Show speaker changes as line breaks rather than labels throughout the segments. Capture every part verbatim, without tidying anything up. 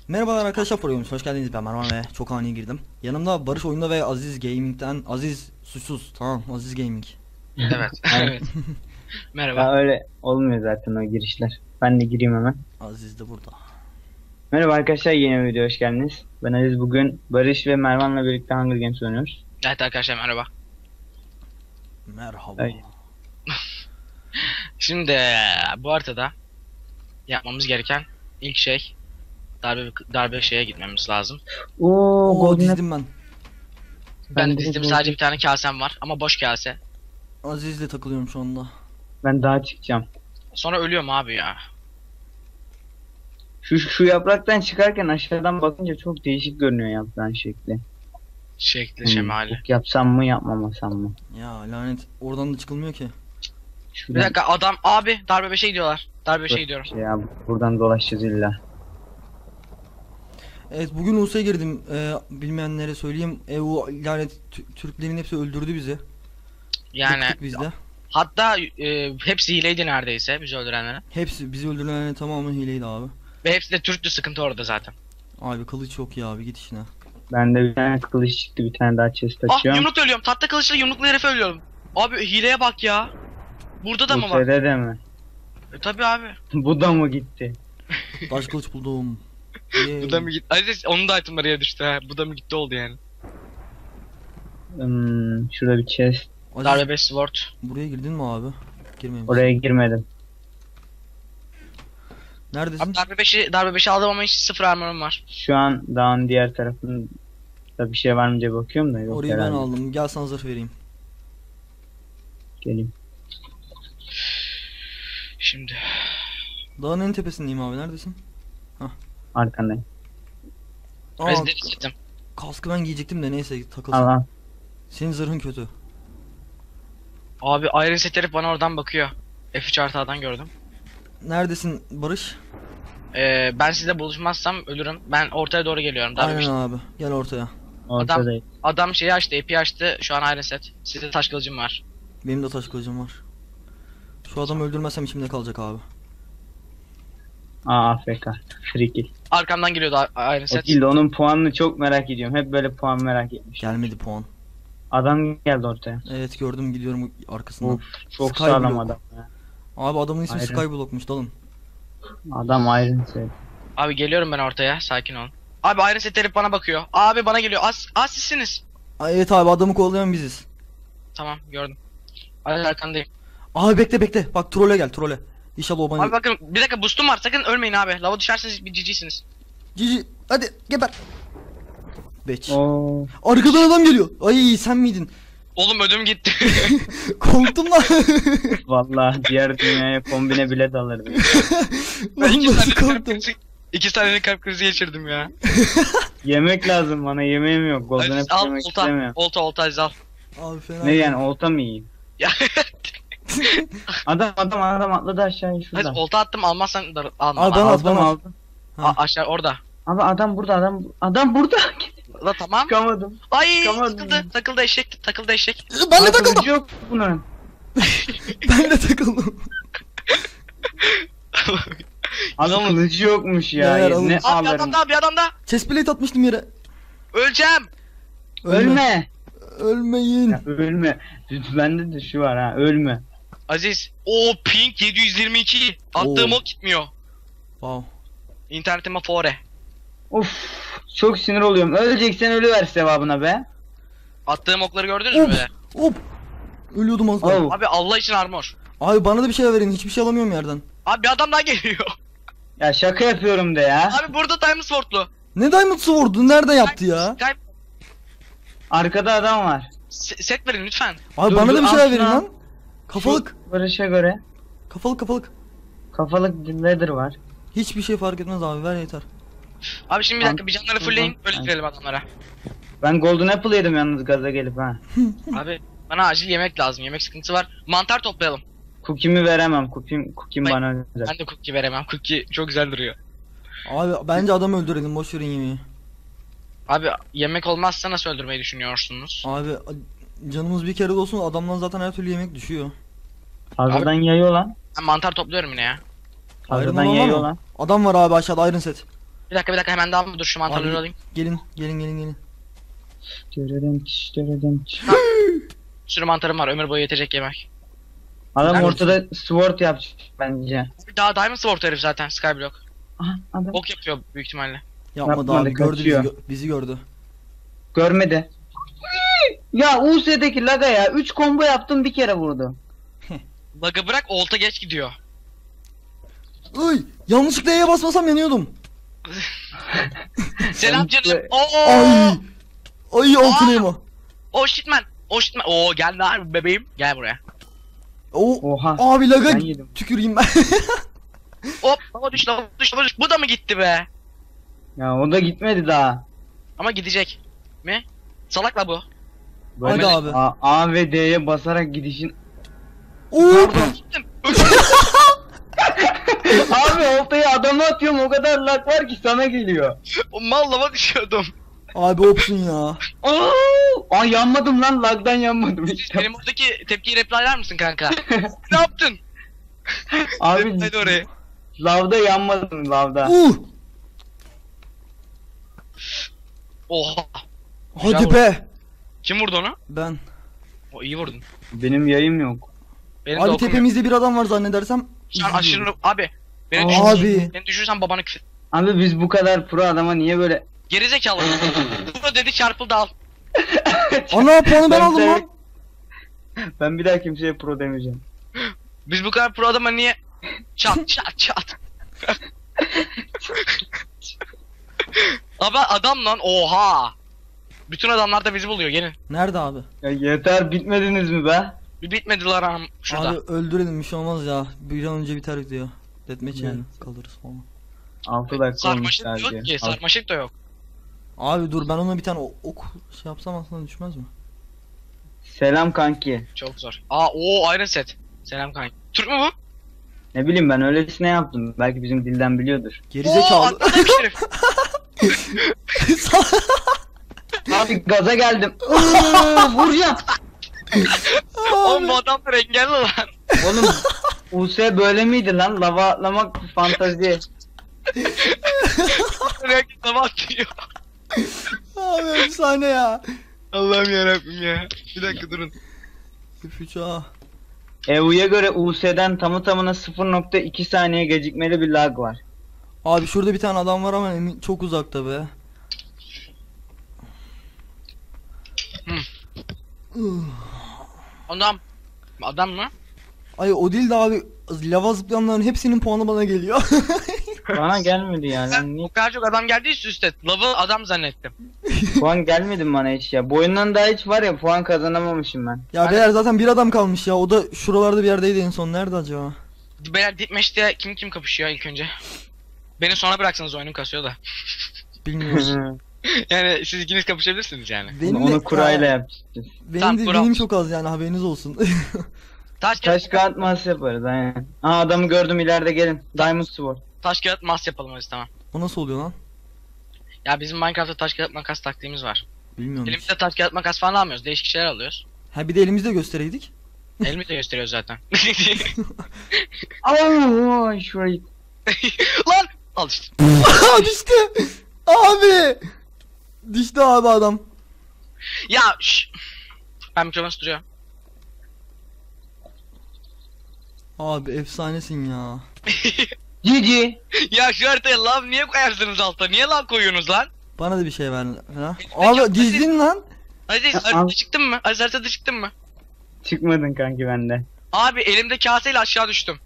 Merhabalar arkadaşlar, programımız hoş geldiniz. Ben Mervan ve çok ani girdim. Yanımda Barış Oyunda ve Aziz Gaming'den Aziz Suçsuz. Tamam, Aziz Gaming.
Evet. Evet. Merhaba.
Ya öyle olmuyor zaten o girişler. Ben de gireyim hemen.
Aziz de burada.
Merhaba arkadaşlar, yeni bir videoya hoş geldiniz. Ben Aziz, bugün Barış ve Mervan'la birlikte Hunger Games oynuyoruz.
Evet arkadaşlar merhaba.
Merhaba.
Evet.
Şimdi bu haritada yapmamız gereken ilk şey darbe darbe şeye gitmemiz lazım.
Oo,
Oo,
Golden Apple.
dizdim ben.
Ben de
de
dizdim,
bu-
sadece bir tane kasem var ama boş kase.
Aziz'le takılıyorum şu anda.
Ben daha çıkacağım.
Sonra ölüyorum abi ya.
Şu, şu yapraktan çıkarken aşağıdan bakınca çok değişik görünüyor yaprağın şekli.
Şekli
Hmm,
şemali.
ok yapsam mı yapmamasam mı?
Ya lanet, oradan da çıkılmıyor ki.
Bir
Şuradan
dakika adam abi darbe beşe gidiyorlar. Darbe beşe
Dur,
gidiyorum.
şey ya, buradan dolaşacağız illa.
Evet, bugün U S'ya girdim. Ee, bilmeyenlere söyleyeyim. E, o lanet Tü- Türklerin hepsi öldürdü bizi.
Yani
Bıktık biz de.
hatta e, hepsi hileydi neredeyse bizi öldürenlerin.
Hepsi bizi öldürenlerin tamamı hileydi abi.
Ve hepsi de Türktü, sıkıntı orada zaten.
Abi kılıç yok ya abi, git işine.
Bende bir tane kılıç çıktı, bir tane daha chest
Ah,
açıyorum.
yumruk ölüyorum. Tatlı kılıçla yumruklu herife ölüyorum. Abi hileye bak ya. Burada da
Bu
mı var?
sede de mi?
E, tabii abi.
Bu da mı gitti?
Taş kılıç buldum.
Bu da mı gitti? Aziz onun da itemları yere düştü ha. Bu da mı gitti oldu yani.
Hmm, şurada bir chest.
Aziz,
Darbe beş sword.
buraya girdin mi abi? Girmeyin.
Oraya girmedim.
Neredesin?
Abi darbe beşi darbe beşi aldım ama hiç sıfır armorum var.
Şu an dağın diğer tarafında bir şey var mı diye bakıyorum da yok
Orayı ben
herhalde.
aldım. Gel sana zırh vereyim.
Geleyim.
Şimdi
Dağın en tepesindeyim abi. Neredesin?
Arkandayım.
Aa,
Aziz deri çektim.
kaskı ben giyecektim de neyse takılsın.
Al al.
Senin zırhın kötü.
Abi Iron Set herif bana oradan bakıyor. F üç artı A'dan gördüm.
Neredesin Barış?
Ee, ben sizle buluşmazsam ölürüm. Ben ortaya doğru geliyorum. Darbe
Aynen
beşi.
abi. Gel ortaya.
Ortadayım.
Adam şeyi açtı, A P açtı. Şu an Iron Set. Sizde taş kılıcım var.
Benim de taş kılıcım var. Şu adamı öldürmezsem içimde kalacak abi.
Aa, A F K. Free kill.
Arkamdan geliyordu A- Iron
O
Set.
kill de onun puanını çok merak ediyorum. Hep böyle puan merak etmiş.
Gelmedi puan.
Adam geldi ortaya.
Evet gördüm, gidiyorum arkasından.
Of, çok
Skyblock.
sağlam adam ya.
Abi adamın ismi
Iron.
Skyblock'muş, dalın.
Adam Iron Set.
Abi geliyorum ben ortaya. Sakin olun. Abi Iron Set herif bana bakıyor. Abi bana geliyor. Az, az sizsiniz.
Ay, evet abi, adamı kovalayan biziz.
Tamam gördüm. Abi arkandayım.
Abi bekle bekle. Bak trole gel, trole. İnşallah o bana...
Abi bakın bir dakika boostum var. Sakın ölmeyin abi. Lava düşerseniz bir cicisiniz.
Cici hadi geber. Beç.
Oo.
Arkadan adam geliyor. Ay sen miydin?
Oğlum ödüm gitti.
Korktum lan.
Vallahi diğer dünyaya kombine bile dalırdı.
Ben iki
Nasıl
saniye kalp
korktum?
krizi, iki saniye kalp krizi geçirdim ya.
Yemek lazım bana, yemeğim yok. Golden
Aziz
Apple
al
yemek
olta.
istemiyorum.
Olta olta Aziz al.
Abi fena.
Ne yani, olta mı yiyeyim?
Ya
Adam adam adam atladı aşağıya şurada.
Aziz olta attım, almazsan da alma.
Abi ben
Al.
at,
Aldım
bana at.
aldım.
A- aşağı orada.
Abi adam burada, adam adam burada.
La tamam.
Çıkamadım.
Ay
Çıkamadım.
takıldı. Takıldı eşek. Takıldı eşek.
Ben de
Aa,
takıldım.
kılıcı yok bunun.
Ben de takıldım.
Abi
Yalnız-
kılıcı yokmuş ya.
Neler
Ne
alın-
Abi bir
alırım.
adam daha bir adam daha.
Chestplate atmıştım yere.
Öleceğim.
Ölme.
Ölmeyin.
Ya, ölme. Bende de şu var ha, ölme.
Aziz. O ping yedi yüz yirmi iki. Attığım
Oo.
ok gitmiyor.
Wow.
İnternetime fore.
Of, çok sinir oluyorum. Öleceksen ölüver sevabına be.
Attığım okları gördünüz
Hop.
mü böyle?
Hop. Ölüyordum az daha.
Oh.
Abi Allah için armor.
Abi bana da bir şey verin. Hiçbir şey alamıyorum yerden.
Abi bir adam daha geliyor.
Ya şaka yapıyorum de ya.
Abi burada Diamond Sword'lu.
Ne Diamond Sword'u? Nerede yaptı ya?
Skype
Arkada adam var.
se- set verin lütfen.
Abi
Dur,
bana
dur,
da bir
al
şeyler
şunu
verin
al.
lan. Kafalık.
Şu Barış'a göre
Kafalık kafalık.
kafalık leather var.
Hiçbir şey fark etmez abi, ver yeter.
Abi şimdi bir dakika bir canları fullleyin. Öyle
Tamam.
girelim adamlara.
Ben Golden Apple yedim yalnız gaza gelip ha.
Abi bana acil yemek lazım. Yemek sıkıntısı var. Mantar toplayalım.
Cookie'mi veremem. Cookie'm, cookie'm
Ben-
bana özel.
Ben de cookie veremem. Cookie çok güzel duruyor.
Abi bence adamı öldürelim, boş verin yemeği.
Abi yemek olmazsa nasıl öldürmeyi düşünüyorsunuz?
Abi a- canımız bir kere de olsun, adamdan zaten her türlü yemek düşüyor.
Fazladan yayıyor lan.
Ben mantar topluyorum yine ya.
Iron
Fazladan
olan var
yayıyor
mı?
lan.
Adam var abi aşağıda, Iron Set.
Bir dakika bir dakika hemen dalma dur şu mantarları
Abi,
alayım.
Gelin gelin gelin gelin.
Görelim çiş görelim çiş.
Bir sürü mantarım var ömür boyu yetecek yemek.
Adam
Nerede?
ortada sword yapacak bence.
Daha Diamond Sword herif zaten Skyblock.
Aha adam.
Ok yapıyor büyük ihtimalle.
Yapmadı
Yapmadı,
abi gördü bizi,
kaçıyor.
gö- bizi gördü.
Görmedi. Ya U S'deki laga ya üç combo yaptım bir kere vurdu.
Bug'ı bırak olta geç gidiyor.
Iy, yanlışlıkla E'ye basmasam yanıyordum.
Selam
Sen-
canım. Oo.
Ay. Ay altın
Aa!
elma.
Oh shitman. Oh shitman. Oo gel lan bebeğim. Gel buraya.
O
Oha.
abi laga
Ben yedim.
tüküreyim ben.
Hop lava düş lava düş lava düş. Bu da mı gitti be?
Ya o da gitmedi daha.
Ama gidecek. Mi? Salak la bu.
Hadi abi.
A, A ve D'ye basarak gidişin.
Oo.
Gittim.
Abi oltayı adama atıyorum o kadar lag var ki sana geliyor.
O mal lava düşüyordum.
Abi opsun ya.
Aa, Aa yanmadım lan lagdan yanmadım işte.
Benim oradaki tepkiyi replayler misin kanka? Ne yaptın?
Abi
Replayde orayı.
lavda yanmadım lavda.
Uh.
Oha.
Hadi
Güzel
be.
Kim vurdu onu?
Ben.
O iyi vurdun.
Benim yayım yok.
Benim de
Abi
okum yok.
tepemizde bir adam var zannedersem.
Şu an aşırı
izliyorum.
abi. Beni
Aa,
düşürürsen,
Abi.
beni düşürürsen babanı küfür.
Abi biz bu kadar pro adama niye böyle...
Gerizekalı. Bu dedi çarpıldı al.
Ana puanı ben
Ben
aldım
de-
lan.
Ben bir daha kimseye pro demeyeceğim.
Biz bu kadar pro adama niye çat çat çat. Abi adam lan oha. Bütün adamlar da bizi buluyor gelin.
Nerede abi?
Ya yeter bitmediniz mi be?
Bir bitmediler am şurada.
Abi öldürelim bir şey olmaz ya. Bir an önce biter video. Deathmatch'e
Yani.
kalırız falan.
altı dakika olmuş
Sarmaşık yok
sadece.
ki sarmaşık da yok.
Abi dur ben ona bir tane o- ok şey yapsam aslında düşmez mi?
Selam kanki.
Çok zor. Aa o Iron Set. Selam kanka. Türk mü bu?
Ne bileyim ben öylesine yaptım. Belki bizim dilden biliyordur.
Oo
Gerizekalı.
atladı herif.
Abi gaza geldim. Iıı, Vuracağım.
Oğlum bu adamlar engelli lan.
Oğlum U S böyle miydi lan? Lava atlamak fantazi.
Herkes lava atıyor.
Abi efsane ya.
Allah'ım yarabbim ya. Bir dakika durun.
Üfüç ha.
E U'ya göre U S'den tamı tamına sıfır nokta iki saniye gecikmeli bir lag var.
Abi şurada bir tane adam var ama emin çok uzakta be.
Hı.
Ih.
Adam. Adam mı?
Ay o değil de abi lava zıplayanların hepsinin puanı bana geliyor.
Bana gelmedi ya.
Ben
Lan niye?
o kadar çok adam geldi üst üste. Lavı adam zannettim.
Puan gelmedi mi bana hiç ya? Bu oyundan daha hiç var ya puan kazanamamışım ben.
Ya
Ben-
beyler zaten bir adam kalmış ya. O da şuralarda bir yerdeydi en son. Nerede acaba?
Beyler Deathmatch'te kim kim kapışıyor ilk önce? Beni sona bıraksanız oyunum kasıyor da.
Bilmiyorum.
Yani siz ikiniz kapışabilirsiniz yani.
Benim
Onu
de-
kurayla
Ya,
yapacağız.
Benim
Tamam,
de
kura.
benim çok az yani haberiniz olsun.
Taş
Taş
kağıt,
kağıt mas yaparız aynen. Aa adamı gördüm ileride gelin. Diamond Sword.
taş kağıt mas yapalım hadi tamam.
O nasıl oluyor lan?
Ya bizim Minecraft'ta taş kağıt makas taktiğimiz var.
Bilmiyorum. hiç.
Elimizde taş kağıt makas falan almıyoruz. Değişik şeyler alıyoruz.
Ha bir de elimizde göstereydik.
Elimi de gösteriyor zaten.
Aa şurayı.
Lan! Al işte.
Aa düştü. Abi. Düştü abi adam.
Ya şş. Ben mikrofonu tutuyorum.
Abi efsanesin ya.
Cici.
Ya şu haritaya lav niye koyarsınız alta? Niye lav koyuyorsunuz lan?
Bana da bir şey ver. Ha?
Peki,
Abi dizdin lan.
Hadi
al.
haritada çıktın mı? Hadi haritada çıktın mı?
Çıkmadın kanki bende.
Abi elimde kaseyle aşağı düştüm.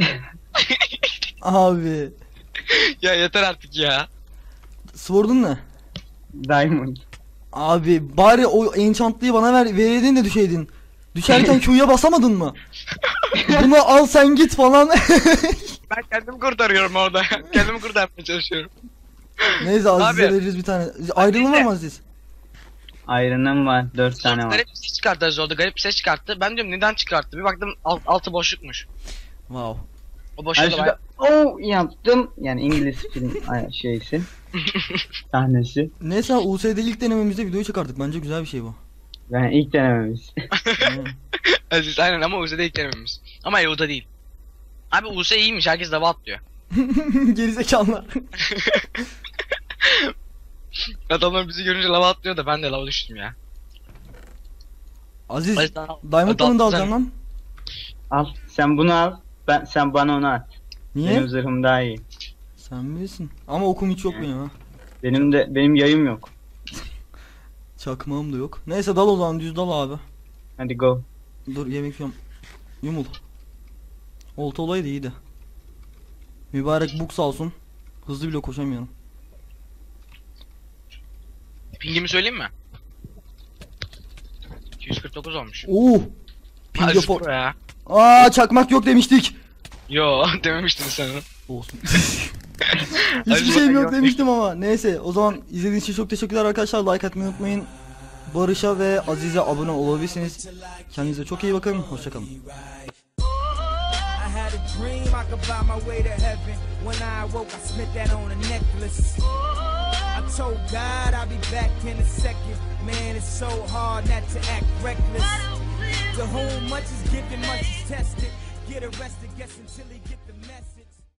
Abi.
Ya yeter artık ya.
Sword'un ne?
Diamond.
Abi bari o enchantlıyı bana ver vereydin de düşeydin. Düşerken Q'ya basamadın mı? Bunu al sen git falan.
Ben kendimi kurtarıyorum orada. Kendimi kurtarmaya çalışıyorum.
Neyse Aziz'e
Abi.
veririz bir tane. Ayrılın var mı Aziz?
Iron'ım var. dört tane var.
Garip bir ses çıkarttı Aziz orada. Garip bir ses çıkarttı. Ben diyorum neden çıkarttı? Bir baktım alt, altı boşlukmuş.
Wow.
O
Ay
boşluğu da
şurada oh yaptım. Yani İngiliz film ay, şeysi. Sahnesi.
Neyse U S'de ilk denememizde videoyu çıkarttık. Bence güzel bir şey bu.
Yani ilk denememiz.
Aynen.
Aziz aynen ama U S'de ilk denememiz. Ama E U'da değil. Abi U S iyiymiş. Herkes dava atlıyor.
Gerizekalılar.
Adamlar bizi görünce lava atlıyor da ben de lava düştüm ya.
Aziz,
Aziz, daha-
Diamond
daha-
Balloon'u da
sen-
alacağım lan.
Al. Sen bunu al. Ben sen bana onu at.
Niye?
Benim zırhım daha iyi.
Sen bilirsin. Ama okum hiç yok benim ha.
Benim de benim yayım yok.
Çakmağım da yok. Neyse dal o zaman, düz dal abi.
Hadi go.
Dur yemek yiyorum. Yumul. Olta olaydı iyiydi. Mübarek buk sağ olsun. Hızlı bile koşamıyorum.
Pingimi söyleyeyim mi? iki yüz kırk dokuz olmuş.
Oo! Ping
Aziz
yapar.
Pro ya.
Aa çakmak yok demiştik.
Yo dememiştin sen onu.
Olsun.
Aziz
Hiçbir şeyim
Pro
yok demiştim ama. Neyse o zaman izlediğiniz için çok teşekkürler arkadaşlar. Like atmayı unutmayın. Barış'a ve Aziz'e abone olabilirsiniz. Kendinize çok iyi bakın. Hoşçakalın.
I had a dream I could buy my way to heaven. When I awoke, I spent that on a necklace. I told God I'll be back in a second. Man, it's so hard not to act reckless. To whom much is given, much is tested. Get arrested, guess until he get the message.